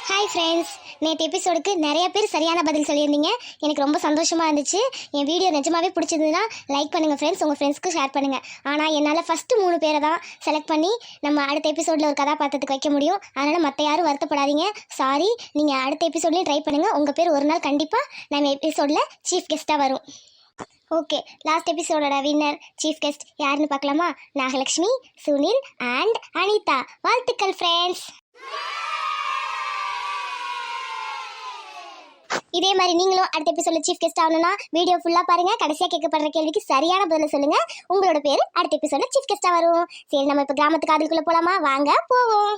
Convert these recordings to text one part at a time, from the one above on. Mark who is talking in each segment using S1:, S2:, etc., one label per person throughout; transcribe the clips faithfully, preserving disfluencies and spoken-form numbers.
S1: Hi friends, நேற்று எபிசோடுக்கு நிறைய பேர் சரியான பதில் சொல்லியிருந்தீங்க. எனக்கு ரொம்ப சந்தோஷமாக இருந்துச்சு. என் வீடியோ நிஜமாவே பிடிச்சிருந்ததுன்னா லைக் பண்ணுங்கள் ஃப்ரெண்ட்ஸ், உங்கள் ஃப்ரெண்ட்ஸ்க்கு ஷேர் பண்ணுங்கள். ஆனால் என்னால் ஃபஸ்ட்டு மூணு பேரை தான் செலக்ட் பண்ணி நம்ம அடுத்த எபிசோடில் ஒரு கதாபாத்திரத்துக்கு வைக்க முடியும். அதனால் மற்ற யாரும் வருத்தப்படாதீங்க. சாரி, நீங்கள் அடுத்த எபிசோட்லேயும் ட்ரை பண்ணுங்கள். உங்கள் பேர் ஒரு நாள் கண்டிப்பாக நம்ம எபிசோடில் சீஃப் கெஸ்ட்டாக வரும். ஓகே, லாஸ்ட் எபிசோடோட வின்னர் சீஃப் கெஸ்ட் யாருன்னு பார்க்கலாமா? நாகலட்சுமி, சுனில் அண்ட் அனிதா. வாழ்த்துக்கள் ஃப்ரெண்ட்ஸ். இதே மாதிரி நீங்களும் அடுத்த எபிசோட்ல சீஃப் கெஸ்ட் ஆகணும்னா வீடியோ ஃபுல்லா பாருங்க. கடைசியா கேட்கப்படுற கேள்விக்கு சரியான பதில சொல்லுங்க. உங்களோட பேரு அடுத்த எபிசோட்ல சீஃப் கெஸ்டா வரும். சரி, நம்ம இப்ப கிராமத்து காதலுக்குள்ள போலாமா? வாங்க போவோம்.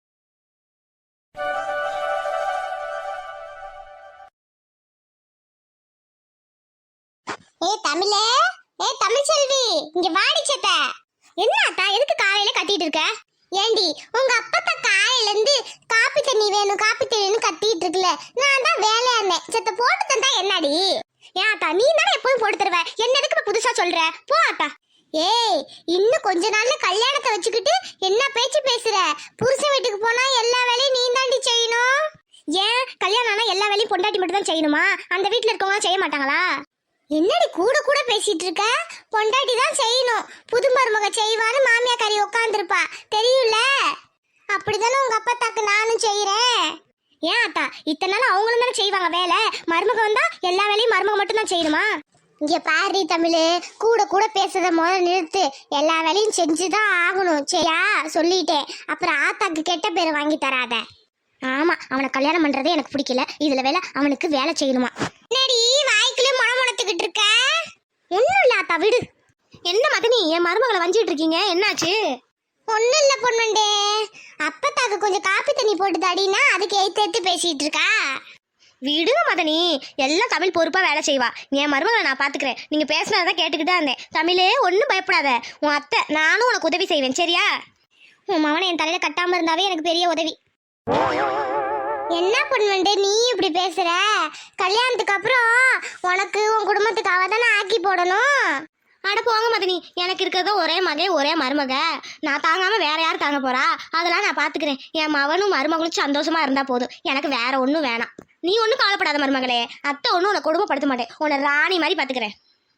S1: ஏ தமிழே, ஏ தமிழ் செல்வி, இங்க வாடி சத்த. என்ன அத்தா, எதுக்கு காலையில கத்திட்டு இருக்க? ஏண்டி, உங்க அப்பா காலையில இருந்து காப்பி தண்ணி வேணும் காப்பி தண்ணின்னு கத்திட்டு இருக்குல்ல, நான் தான் வேலையா இருந்தேன். செத்த போட்டு தந்தா என்னடி? ஏன் அத்தா, நீ தானே எப்போதும் போட்டு தருவ, என்ன எதுக்கு புதுசா சொல்ற? போ அத்தா. ஏய், இன்னும் கொஞ்ச நாள்ல கல்யாணத்தை வச்சுக்கிட்டு என்ன பேச்சு பேசுற? புருஷன் வீட்டுக்கு போனா எல்லா வேலையும் நீ தாண்டி செய்யணும். ஏன் கல்யாணம் ஆனா எல்லா வேலையும் பொண்டாட்டி மட்டும் தான் செய்யணுமா? அந்த வீட்டுல இருக்கவங்க செய்ய மாட்டாங்களா? என்னடி கூட கூட பேசிட்டு இருக்க? பொண்டாட்டி தான் செய்யணும். புது மருமக செய்வான்னு மாமியா கறி உட்காந்துருப்பா, தெரியும்ல? அப்படிதானே உங்க அப்பா தாக்கு நானும் செய்யறேன். ஏன் அத்தா, இத்தனை நாள் அவங்களும் தானே செய்வாங்க வேலை. மருமக வந்தா எல்லா வேலையும் மருமக மட்டும் தான் செய்யணுமா? இங்க பாரு தமிழ், கூட கூட பேசுறத முதல்ல நிறுத்து. எல்லா வேலையும் செஞ்சுதான் ஆகணும், சரியா? சொல்லிட்டேன். அப்புறம் ஆத்தாக்கு கெட்ட பேர் வாங்கி தராத. ஆமா, அவனை கல்யாணம் பண்றதே எனக்கு பிடிக்கல. இதுல வேலை அவனுக்கு வேலை செய்யணுமா? என்னடி வாய்க்குள்ளே முளை முளைத்துக்கிட்டு இருக்க? ஒன்னும் இல்ல ஆத்தா, விடு. என்ன மதனி, என் மருமகளை வஞ்சிட்டு இருக்கீங்க, என்னாச்சு? ஒன்னும் இல்ல பொண்ணுண்டே, அப்பத்தாக்கு கொஞ்சம் காப்பி தண்ணி போட்டு தாடினா அதுக்கு எய்த்து எய்த்து பேசிட்டு இருக்கா. விடுங்க மதனி, எல்லாம் தமிழ் பொறுப்பா வேலை செய்வா. என் மருமகளை நான் பாத்துக்கிறேன். நீங்க பேசினதான் கேட்டுக்கிட்டா இருந்தேன். தமிழே, ஒன்னும் பயப்படாத. உன் அத்தை நானும் உனக்கு உதவி செய்வேன், சரியா? உன் மவனை என் தலையில கட்டாம இருந்தாவே எனக்கு பெரிய உதவி. என்ன பொண்ணு நீ இப்படி பேசுற? கல்யாணத்துக்கு அப்புறம் உனக்கு உன் குடும்பத்துக்கு அவ தானே ஆக்கி போடணும். அட போங்க மதனி, எனக்கு இருக்கிறத ஒரே மகே ஒரே மருமக. நான் தாங்காம வேற யார் தாங்க போறா? அதெல்லாம் நான் பாத்துக்கிறேன். என் மவனும் மருமகளும் சந்தோஷமா இருந்தா போதும், எனக்கு வேற ஒன்றும் வேணாம். நீ ஒன்றும் கவலைப்படாத மருமகளே. அத்தை ஒன்றும் உன்னை கொடுமைப்படுத்த மாட்டேன். உன்னை ராணி மாதிரி பாத்துக்கிறேன்.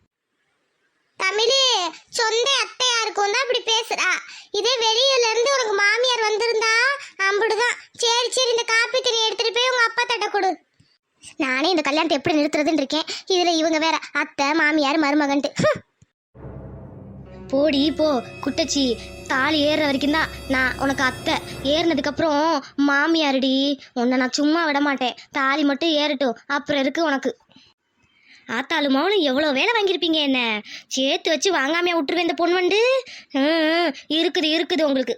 S1: தமிழ், சொந்த அத்தையா இருக்கும் தான் இப்படி பேசுறா. இதே வெளியில இருந்து உனக்கு மாமியார் வந்திருந்தா அம்புடுதான். சரி சரி, இந்த காப்பி தண்ணி எடுத்துட்டு போய் உங்க அப்பா தட்ட கொடு. நானே இந்த கல்யாணத்தை எப்படி நிறுத்துறதுன்னு இருக்கேன். இதுல இவங்க வேற அத்தை மாமியார் மருமகன்ட்டு. போடி போ குட்டச்சி. தாலி ஏறுற வரைக்கும் தான் நான் உனக்கு அத்தை. ஏறினதுக்கு அப்புறம் மாமியாருடி. உன்னை நான் சும்மா விட மாட்டேன். தாலி மட்டும் ஏறட்டும், அப்புறம் இருக்கு உனக்கு. ஆத்தாலும் மௌனும் எவ்வளோ வேலை வாங்கியிருப்பீங்க. என்ன சேர்த்து வச்சு வாங்காமையா விட்டுருவேன் இந்த பொண்ணு வந்து. இருக்குது இருக்குது உங்களுக்கு.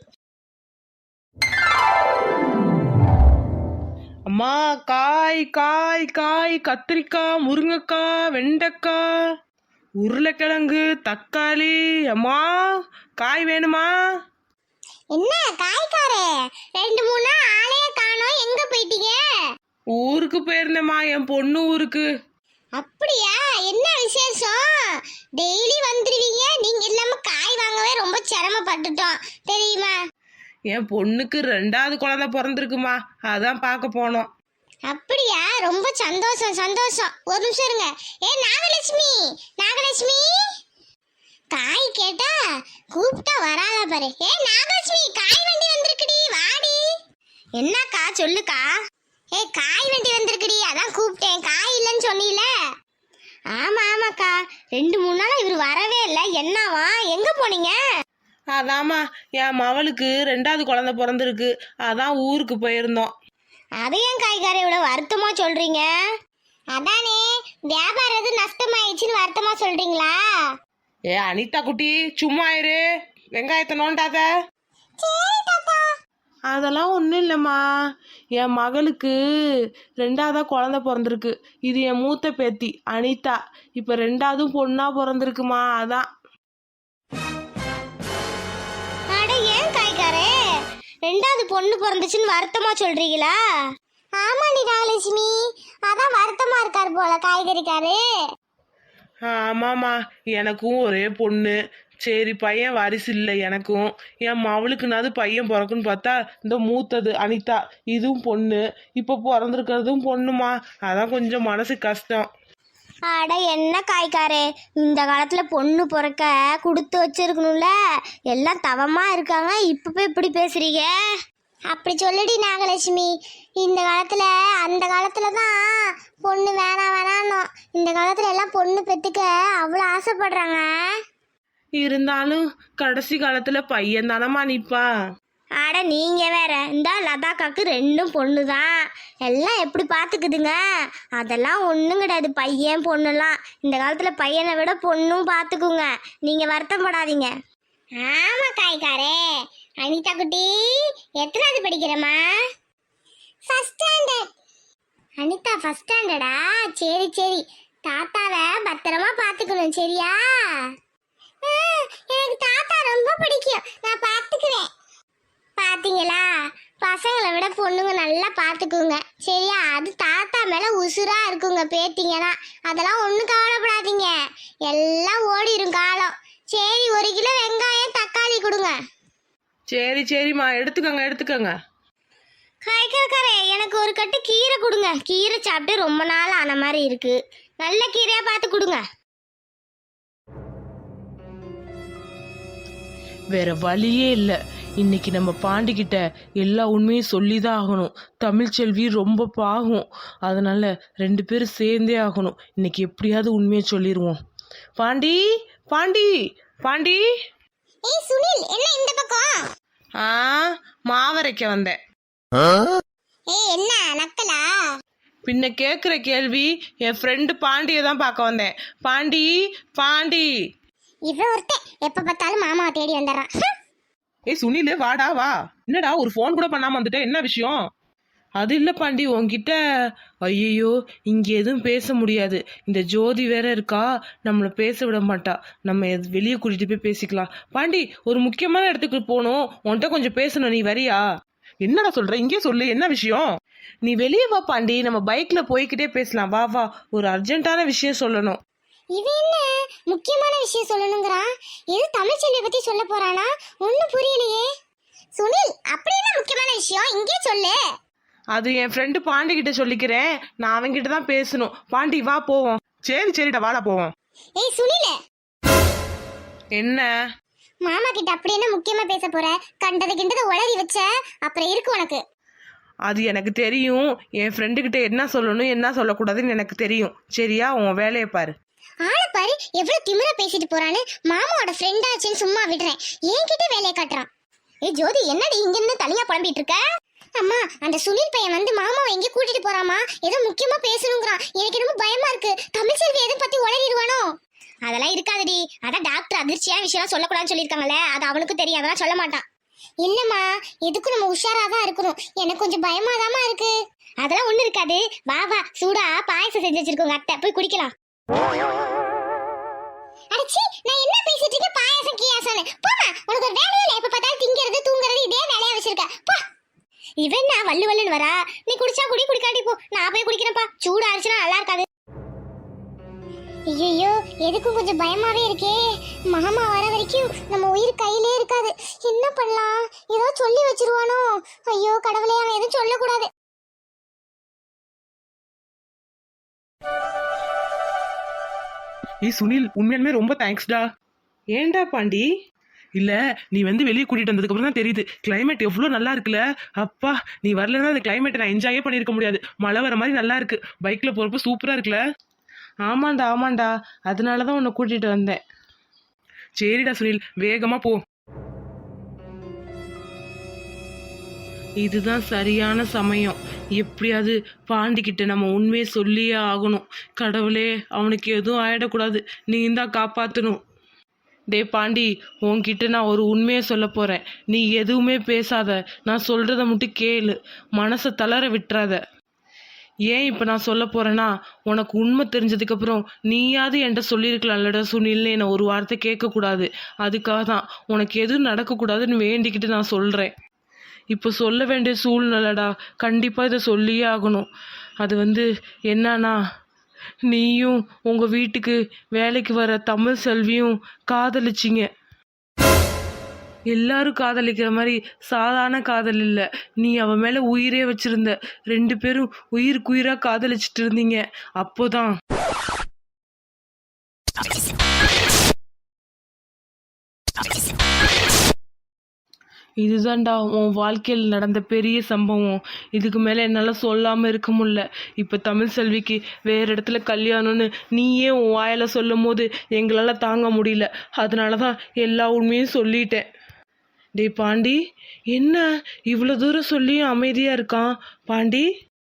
S2: அம்மா, காய் காய் காய், கத்திரிக்காய், முருங்கைக்காய், வெண்டைக்காய், உருளைக்கிழங்கு, தக்காளி. அம்மா, காய் வேணுமா?
S1: என்ன காய்காரே, ரெண்டு மூணு ஆளே காணோம், எங்க போயிட்டீங்க?
S2: ஊருக்கு போயிருந்தேம்மா, என் பொண்ணு ஊருக்கு.
S1: அப்படியா? என்ன விசேஷம்? டெய்லி வந்துருவீங்க, நீங்க இல்லாம காய் வாங்கவே ரொம்ப சிரமப்பட்டுட்டோம், தெரியுமா?
S2: என் பொண்ணுக்கு ரெண்டாவது குழந்தை பிறந்திருக்குமா, அதான் பார்க்க போனோம்.
S1: அப்படியா? ரொம்ப சந்தோஷம் சந்தோஷம். ஒரு நிமிஷம் இருங்க. ஏ நாகலட்சுமி, நாகலட்சுமி, காய் கேட்டா கூப்பிட்டா வராத பாரு. ஏ நாகலட்சுமி, காய் வண்டி வந்திருக்குடி, வாடி. என்னக்கா சொல்லுக்கா? ஏ காய் வண்டி வந்திருக்குடி, அதான் கூப்பிட்டேன். காய் இல்லைன்னு சொன்னீல? ஆமா ஆமாக்கா, ரெண்டு மூணு நாளா இவர் வரவே இல்லை. என்னவா, எங்க போனீங்க?
S2: அதாம்மா, என் மவளுக்கு ரெண்டாவது குழந்தை பிறந்திருக்கு, அதான் ஊருக்கு போயிருந்தோம்.
S1: அதையும் காய்கறி இவ்வளவு வருத்தமா சொல்றீங்க? அதானே, வியாபாரம் எது நஷ்டமாயிடுச்சுன்னு வருத்தமா சொல்றீங்களா?
S2: ஏ அனிதா குட்டி, சும்மா இரு. வெங்காயத்தை நோண்டாத. அதெல்லாம் ஒன்றும் இல்லைம்மா, என் மகளுக்கு ரெண்டாவதா குழந்தை பிறந்திருக்கு. இது என் மூத்த பேத்தி அனிதா. இப்போ ரெண்டாவதும் பொண்ணா பிறந்திருக்குமா, அதான்.
S1: அட ஏன் காய்கறே, ரெண்டாவது பொண்ணு பிறந்துச்சுன்னு வருத்தமா சொல்றீங்களா? ஆமா நிராலட்சுமி, அதான் வருத்தமா இருக்காரு போல காய்கறிக்காரு.
S2: ஆமாம்மா, எனக்கும் ஒரே பொண்ணு. சரி பையன் வாரிசு இல்லை எனக்கும், என் மவளுக்குனாது பையன் பிறக்குன்னு பார்த்தா இந்த மூத்தது அனிதா இதுவும் பொண்ணு, இப்போ பிறந்திருக்கிறதும் பொண்ணுமா. அதான் கொஞ்சம் மனசு கஷ்டம்.
S1: அட என்ன காய்க்காரே, இந்த காலத்துல பொண்ணு பிறக்க கொடுத்து வச்சிருக்கணும்ல, எல்லாம் தவமா இருக்காங்க, இப்ப போய் இப்படி பேசுறீங்க? அப்படி சொல்லுடி நாகலட்சுமி. இந்த காலத்துல அந்த காலத்துல தான் பொண்ணு வேணாம் வேணான்னு, இந்த காலத்துல எல்லாம் பொண்ணு பெத்துக்க அவ்வளோ ஆசைப்படுறாங்க.
S2: இருந்தாலும் கடைசி காலத்துல பையன் தானம்மா நிப்பான்.
S1: அட நீங்க வேற, இந்த லதாக்காக்கு ரெண்டும் பொண்ணு தான், எல்லாம் எப்படி பார்த்துக்குதுங்க. அதெல்லாம் ஒன்றும் கிடையாது, பையன் பொண்ணுலாம் இந்த காலத்துல பையனை விட பொண்ணும் பார்த்துக்குங்க, நீங்க வருத்தப்படாதீங்க. ஆமா காய்காரே. அனிதா குட்டி எத்தனாவது படிக்கிறமா? First standard. அனிதா ஃபர்ஸ்ட் ஸ்டாண்டர்டா? சரி சரி, தாத்தாவை பத்திரமா பார்த்துக்கணும் சரியா? எனக்கு தாத்தா ரொம்ப பிடிக்கும், நான் பார்த்துக்குவேன். பாத்தீங்களா, பசங்களை விட பொண்ணுங்க நல்லா பார்த்துக்குங்க சரியா? அது தாத்தா மேல உசுரா இருக்குங்க பேத்திங்கன்னா, அதெல்லாம் ஒன்றும் கவலைப்படாதீங்க, எல்லாம் ஓடிடும் காலம். சரி, ஒரு கிலோ வெங்காயம் தக்காளி கொடுங்க.
S2: சரி சரிம்மா, எடுத்துக்கோங்க எடுத்துக்கோங்க.
S1: காய்கறி எனக்கு ஒரு கட்டு கீரை கொடுங்க, கீரை சாப்பிட்டு ரொம்ப நாள் ஆன மாதிரி இருக்கு, நல்ல கீரையா பார்த்து கொடுங்க.
S2: வேற வழியே இல்லை, இன்னைக்கு நம்ம பாண்டிக்கிட்ட எல்லா உண்மையும் சொல்லி தான் ஆகணும். தமிழ்ச்செல்வி ரொம்ப பாகும், அதனால ரெண்டு பேரும் சேர்ந்தே ஆகணும். இன்னைக்கு எப்படியாவது உண்மையை சொல்லிடுவோம். பாண்டி பாண்டி பாண்டி.
S1: ஏய் சுனில், என்ன இந்த பக்கம்?
S2: ஆ, மாவரைக்க வந்தேன்.
S1: ஏய் என்ன நக்கலா?
S2: பின்ன கேட்குற கேள்வி, என் ஃப்ரெண்டு பாண்டியை தான் பார்க்க வந்தேன். பாண்டி பாண்டி.
S1: இவன் ஒருத்தன் எப்ப பார்த்தாலும் மாமாவை தேடி வந்துடுறான்.
S2: ஏய் சுனில், வாடா வா. என்னடா ஒரு ஃபோன் கூட பண்ணாம வந்துட்ட, என்ன விஷயம்? அது இல்லை பாண்டி, உன்கிட்ட. ஐயோ, இங்கே எதுவும் பேச முடியாது, இந்த ஜோதி வேற இருக்கா, நம்மளை பேச விட மாட்டா. நம்ம வெளியே கூட்டிட்டு போய் பேசிக்கலாம். பாண்டி, ஒரு முக்கியமான இடத்துக்கு போகணும், உன்கிட்ட கொஞ்சம் பேசணும், நீ வரியா? என்னடா சொல்ற, இங்கே சொல்லு, என்ன விஷயம்? நீ வெளியே வா பாண்டி, நம்ம பைக்ல போய்கிட்டே பேசலாம், வா வா, ஒரு அர்ஜென்ட்டான விஷயம் சொல்லணும்.
S1: இவன் என்ன முக்கியமான விஷயம் சொல்லணுங்கிறான்? எது தமிழ்ச்செல்வியை பத்தி சொல்ல போறானா? ஒன்னும் புரியலையே. சுனில், அப்படி என்ன முக்கியமான விஷயம், இங்கே சொல்லு.
S2: அது என் ஃப்ரெண்டு பாண்டி கிட்ட சொல்லிக்கிறேன், நான் அவன்கிட்ட தான் பேசணும். பாண்டி வா போவோம். சரி சரிடா, வாடா போவோம்.
S1: ஏய் சுனில்,
S2: என்ன
S1: மாமா கிட்ட அப்படி என்ன முக்கியமா பேச போற? கண்டது கிண்டது உளறி வச்ச அப்புறம் இருக்கு உனக்கு.
S2: அது எனக்கு தெரியும், என் ஃப்ரெண்டு கிட்ட என்ன சொல்லணும் என்ன சொல்லக்கூடாதுன்னு எனக்கு தெரியும் சரியா? உன் வேலையை பாரு.
S1: ஆளை பாரு, எவ்வளவு திமிரா பேசிட்டு போறான்னு. மாமாவோட ஃப்ரெண்ட் ஆச்சுன்னு சும்மா விடுறேன், என்கிட்ட வேலையை காட்டுறான். ஏய் ஜோதி, என்னடி இங்க இருந்து தனியா புலம்பிட்டு இருக்க? அம்மா, அந்த சுனில் பையன் வந்து மாமாவை எங்க கூட்டிட்டு போறாமா, ஏதோ முக்கியமா பேசணுங்கிறான். எனக்கு ரொம்ப பயமா இருக்கு, தமிழ்ச்செல்வி எதை பத்தி உளறிடுவானோ? அதெல்லாம் இருக்காதுடி, அதான் டாக்டர் அதிர்ச்சியான விஷயம் சொல்லக்கூடாதுன்னு சொல்லியிருக்காங்கல்ல, அது அவனுக்கு தெரியும், அதெல்லாம் சொல்ல மாட்டான். இல்லம்மா, எதுக்கும் நம்ம உஷாராதான் இருக்கணும், எனக்கு கொஞ்சம் பயமாதாமா இருக்கு. அதெல்லாம் ஒண்ணு இருக்காது, வா வா, சூடா பாயசம் செஞ்சு வச்சிருக்கோங்க அத்தை, போய் குடிக்கலாம். அடச்சி, நான் என்ன பேசிட்டு இருக்கேன், பாயசம் கியாசம்? போமா, உனக்கு ஒரு வேலையே இல்லை, எப்ப பார்த்தாலும் திங்கிறது தூங்குறது இதே வேலையா வச்சிருக்க, போ. இவன் நான் வள்ளு வள்ளுன்னு வரா, நீ குடிச்சா குடி, குடிக்காட்டி போ, நான் போய் குடிக்கிறேன்ப்பா, சூடா ஆச்சுன்னா நல்லா இருக்காது. ஐயோ, எதுக்கும் கொஞ்சம் பயமாவே இருக்கே. மாமா வர வரைக்கும் நம்ம உயிர் கையிலே இருக்காது, என்ன பண்ணலாம்? ஏதோ சொல்லி வச்சிருவானோ? ஐயோ கடவுளே, அவன் எதுவும் சொல்லக்கூடாது.
S2: ஏய் சுனில், உண்மையாலுமே ரொம்ப தேங்க்ஸ்டா. ஏன்டா பாண்டி? இல்ல, நீ வந்து வெளியே கூட்டிட்டு வந்ததுக்கு அப்புறம் தான் தெரியுது கிளைமேட் எவ்வளோ நல்லா இருக்குல்ல. அப்பா, நீ வரலன்னா அந்த கிளைமேட்டை நான் என்ஜாயே பண்ணியிருக்க முடியாது. மழை வர மாதிரி நல்லா இருக்கு, பைக்ல போறப்ப சூப்பரா இருக்குல்ல. ஆமாண்டா ஆமாண்டா, அதனாலதான் உன்னை கூட்டிட்டு வந்தேன். சரிடா சுனில், வேகமா போ. இதுதான் சரியான சமயம், எப்படியாவது பாண்டிக்கிட்ட நம்ம உண்மையை சொல்லியே ஆகணும். கடவுளே, அவனுக்கு எதுவும் ஆயிடக்கூடாது, நீ தான் காப்பாற்றணும். டே பாண்டி, உன்கிட்ட நான் ஒரு உண்மையை சொல்ல போகிறேன், நீ எதுவுமே பேசாத, நான் சொல்கிறத மட்டும் கேளு, மனசை தளர விட்டுறாத. ஏன் இப்போ நான் சொல்ல போகிறேன்னா, உனக்கு உண்மை தெரிஞ்சதுக்கப்புறம் நீயாவது என்கிட்ட சொல்லியிருக்கலாம்லடா சுனில்னு என்னை ஒரு வார்த்தை கேட்கக்கூடாது. அதுக்காக தான் உனக்கு எதுவும் நடக்கக்கூடாதுன்னு வேண்டிக்கிட்டு நான் சொல்கிறேன். இப்போ சொல்ல வேண்டிய சூழ்நிலைடா, கண்டிப்பாக இதை சொல்லியே ஆகணும். அது வந்து என்னன்னா, நீயும் உங்கள் வீட்டுக்கு வேலைக்கு வர தமிழ் செல்வியும் காதலிச்சிங்க. எல்லாரும் காதலிக்கிற மாதிரி சாதாரண காதல் இல்லை. நீ அவன் மேலே உயிரே வச்சிருந்த. ரெண்டு பேரும் உயிருக்கு உயிராக காதலிச்சிட்டு இருந்தீங்க. அப்போதான் இதுதான்டா உன் வாழ்க்கையில் நடந்த பெரிய சம்பவம். இதுக்கு மேலே என்னால் சொல்லாமல் இருக்க முடியல. இப்போ தமிழ் செல்விக்கு வேறு இடத்துல கல்யாணம்னு நீயே உன் வாயில் சொல்லும் போது எங்களால் தாங்க முடியல. அதனால தான் எல்லா உண்மையும் சொல்லிட்டேன். டேய் பாண்டி, என்ன இவ்வளோ தூரம் சொல்லியும் அமைதியாக இருக்கான் பாண்டி?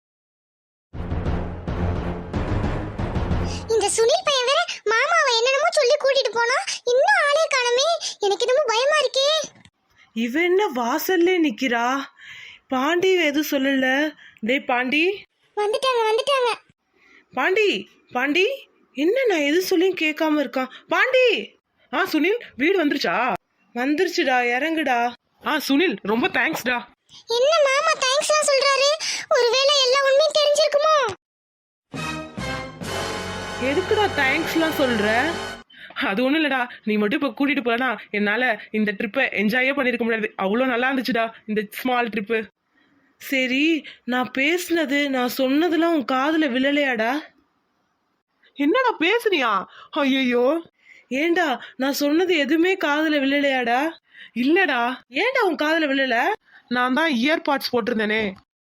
S1: இந்த சுனில் பையன் வேற மாமாவை என்னென்னமோ சொல்லி கூட்டிட்டு போனா இன்னும் ஆளே காணமே. எனக்கு என்னமோ பயமா இருக்கே.
S2: இவ என்ன வாசல்லே நிக்கிறா? பாண்டி எதுவும் சொல்லல. டேய் பாண்டி.
S1: வந்துட்டாங்க வந்துட்டாங்க.
S2: பாண்டி பாண்டி, என்ன நான் எது சொல்லியும் கேட்காம இருக்கான் பாண்டி? ஆ சுனில், வீடு வந்துருச்சா? வந்துருச்சுடா, இறங்குடா. ஆ சுனில், ரொம்ப தேங்க்ஸ்டா.
S1: என்ன மாமா தேங்க்ஸ்லாம் சொல்றாரு? ஒருவேளை எல்லா உண்மையும் தெரிஞ்சிருக்குமோ?
S2: எதுக்குடா தேங்க்ஸ்லாம் சொல்ற? அது ஒன்றும் இல்லைடா, நீ மட்டும் இப்போ கூட்டிகிட்டு போகலனா என்னால் இந்த ட்ரிப்பை என்ஜாயே பண்ணியிருக்க முடியாது. அவ்வளோ நல்லா இருந்துச்சுடா இந்த ஸ்மால் ட்ரிப்பு. சரி, நான் பேசுனது நான் சொன்னதெல்லாம் உன் காதில் விழலையாடா? என்னடா பேசுனியா? ஐயோ, ஏண்டா நான் சொன்னது எதுவுமே காதில் விழலையாடா? இல்லடா. ஏண்டா உன் காதில் விழல? நான் தான் இயர்பாட்ஸ் போட்டிருந்தேனே.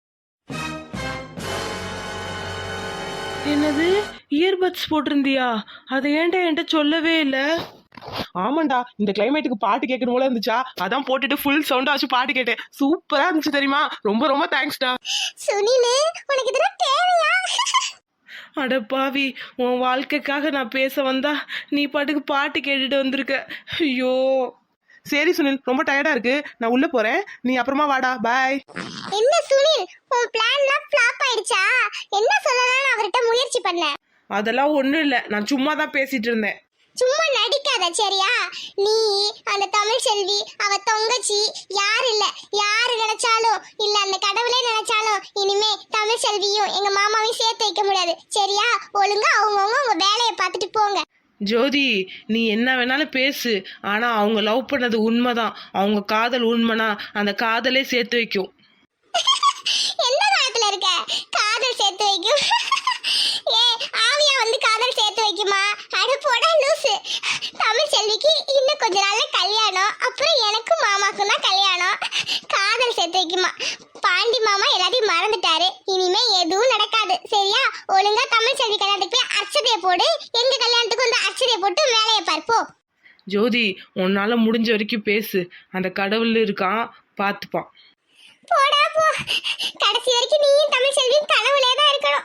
S2: என்னது, இயர்பட்ஸ் போட்டிருந்தியா? அதை ஏன்டா என்கிட்ட சொல்லவே இல்லை? ஆமாண்டா, இந்த கிளைமேட்டுக்கு பாட்டு கேட்கணும் போல இருந்துச்சா, அதான் போட்டுட்டு ஃபுல் சவுண்டா வச்சு பாட்டு கேட்டேன். சூப்பரா இருந்துச்சு தெரியுமா? ரொம்ப ரொம்ப தேங்க்ஸ்டா.
S1: சுனிலே, உனக்கு இதெல்லாம் தேவையா?
S2: அட பாவி, உன் வாழ்க்கைக்காக நான் பேச வந்தா நீ பாட்டுக்கு பாட்டு கேட்டுட்டு வந்திருக்க. ஐயோ. சரி சுனில், ரொம்ப டயர்டா இருக்கு, நான் உள்ள போறேன். நீ அப்புறமா வாடா. பாய்.
S1: என்ன சுனில், உன் பிளான்லாம் ஃப்ளாப் ஆயிடுச்சா? என்ன சொல்லலாம்னு அவர்கிட்ட முயற்சி பண்ண.
S2: அதெல்லாம் ஒண்ணும் இல்ல, நான் சும்மா தான் பேசிட்டு இருந்தேன்.
S1: சும்மா நடிக்காத சரியா? நீ அந்த தமிழ் செல்வி அவ தொங்கச்சி யாரு இல்ல, யாரு நினைச்சாலும் இல்ல அந்த கடவுளே நினைச்சாலும் இனிமே தமிழ் செல்வியும் எங்க மாமாவையும் சேர்த்து வைக்க முடியாது சரியா? ஒழுங்கா அவங்கவுங்க உங்க வேலையை பார்த்துட்டு போங்க.
S2: ஜோதி, நீ என்ன வேணாலும் பேசு, ஆனா அவங்க லவ் பண்ணது உண்மைதான். அவங்க காதல் உண்மைனா அந்த காதலே சேர்த்து வைக்கும்.
S1: எந்த காலத்துல இருக்க காதல் சேர்த்து வைக்கும்? ஏ ஆவியா வந்து காதல் சேர்த்து வைக்குமா? அட போடா லூசு. தமிழ் செல்விக்கு இன்னும் கொஞ்ச நாள்ல கல்யாணம், அப்புறம் எனக்கும் மாமாக்கும் தான் கல்யாணம். காதல் சேர்த்து வைக்குமா? பாண்டி மாமா எல்லாத்தையும் மறந்துட்டாரு, இனிமே எதுவும் நடக்காது சரியா? ஒழுங்கா தமிழ் செல்வி கல்யாணத்துக்கு போய் அர்ச்சதையை போடு, எங்க கல்யாணத்துக்கு வந்து அர்ச்சதையை போட்டு வேலையை பார்ப்போம்.
S2: ஜோதி, உன்னால முடிஞ்ச வரைக்கும் பேசு, அந்த கடவுள் இருக்கான், பார்த்துப்பான்.
S1: போடா போ, கடைசி வரைக்கும் நீயும் தமிழ் செல்வியும் கனவுலே தான் இருக்கணும்.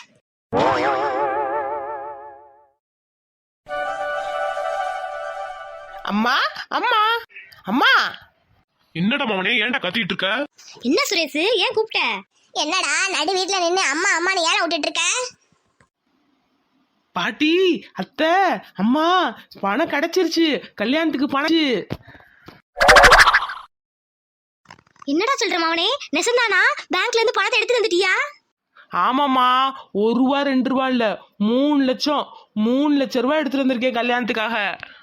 S2: அம்மா அம்மா அம்மா.
S3: என்னடா மவனே, ஏன்டா கத்திட்டு இருக்க?
S1: என்ன சுரேஷ், ஏன் கூப்பிட்ட? என்னடா நடு வீட்டுல நின்னு அம்மா அம்மான்னு ஏன் விட்டுட்டு இருக்க?
S2: பாட்டி, அத்தை, அம்மா, பணம் கிடைச்சிருச்சு, கல்யாணத்துக்கு பணம்.
S1: என்னடா சொல்ற மவனே, நெசந்தானா? பேங்க்ல இருந்து பணத்தை எடுத்து வந்துட்டியா?
S2: ஆமாம்மா, ஒரு ரூபா ரெண்டு ரூபா இல்ல, மூணு லட்சம் மூணு லட்சம் ரூபாய் எடுத்துட்டு வந்திருக்கேன் கல்யாணத்துக்காக.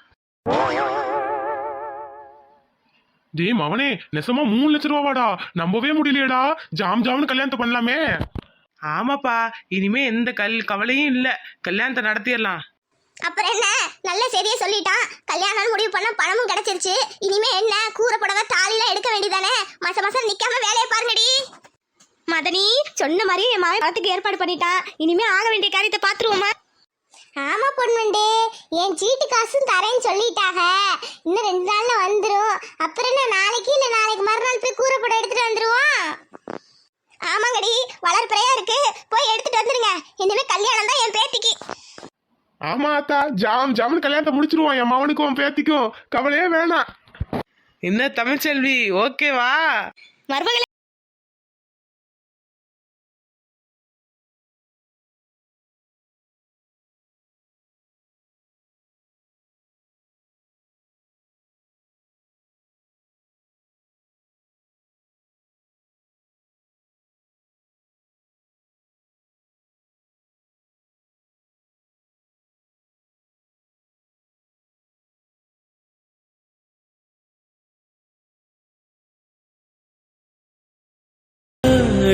S3: டேய் மவனே, நெசமா மூணு லட்சம் ரூபாவாடா, நம்பவே முடியலையேடா. ஜாம் ஜாம்னு கல்யாணத்தை பண்ணலாமே.
S2: ஆமாப்பா, இனிமே எந்த கல் கவலையும் இல்ல, கல்யாணத்தை நடத்திடலாம்.
S1: அப்புறம் என்ன, நல்ல செய்தியை சொல்லிட்டான். கல்யாணம் முடிவு பண்ண பணமும் கிடைச்சிருச்சு. இனிமே என்ன, கூரை புடவை தாலிலாம் எடுக்க வேண்டியதானே? மாசம் மாசம் நிக்காம வேலையை பாருங்கடி. மதனி சொன்ன மாதிரியே என் மகன் பணத்துக்கு ஏற்பாடு பண்ணிட்டான். இனிமே ஆக வேண்டிய காரியத்தை பாத்துருவோமா? ஆமா பொண்ணுண்டு, என் சீட்டு காசும் தரேன்னு சொல்லிட்டாங்க. இன்னும் ரெண்டு நாள்ல வந்துரும். அப்புறம் என்ன, நாளைக்கு இல்ல நாளைக்கு மறுநாள் போய் கூரை புடவை எடுத்துட்டு வந்துருவோம். ஆமாங்கடி, வளர்ப்பிறையா இருக்கு, போய் எடுத்துட்டு வந்துருங்க. இனிமே கல்யாணம் தான் என் பேத்திக்கு.
S3: ஆமா அத்தா, ஜாம் ஜாம்னு கல்யாணத்தை முடிச்சிருவோம். என் மவனுக்கும் பேத்திக்கும் கவலையே வேணாம்.
S2: என்ன தமிழ்ச்செல்வி, ஓகேவா?
S1: மருமகளே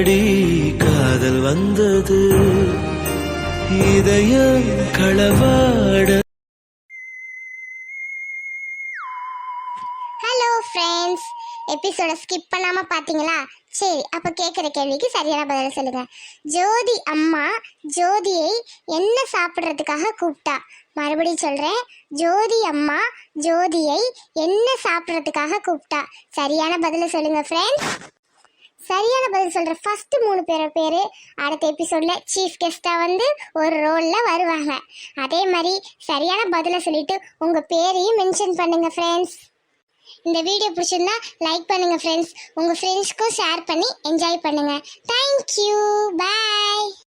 S4: எப்படி காதல் வந்தது இதயம் களவாட.
S1: ஹலோ ஃப்ரெண்ட்ஸ், எபிசோட ஸ்கிப் பண்ணாம பாத்தீங்களா? சரி, அப்ப கேட்குற கேள்விக்கு சரியான பதில் சொல்லுங்க. ஜோதி அம்மா ஜோதியை என்ன சாப்பிட்றதுக்காக கூப்பிட்டா? மறுபடியும் சொல்றேன், ஜோதி அம்மா ஜோதியை என்ன சாப்பிட்றதுக்காக கூப்பிட்டா? சரியான பதில சொல்லுங்க ஃப்ரெண்ட்ஸ். சரியான பதில் சொல்ற ஃபர்ஸ்ட் மூணு பேர பேரு அடுத்த எபிசோட்ல சீஃப் கெஸ்டா வந்து ஒரு ரோல்ல வருவாங்க. அதே மாதிரி சரியான பதில சொல்லிட்டு உங்க பேரையும் மென்ஷன் பண்ணுங்க ஃப்ரெண்ட்ஸ். இந்த வீடியோ பிடிச்சிருந்தா லைக் பண்ணுங்க ஃப்ரெண்ட்ஸ். உங்க ஃப்ரெண்ட்ஸ்க்கும் ஷேர் பண்ணி என்ஜாய் பண்ணுங்க. தேங்க்யூ, பாய்.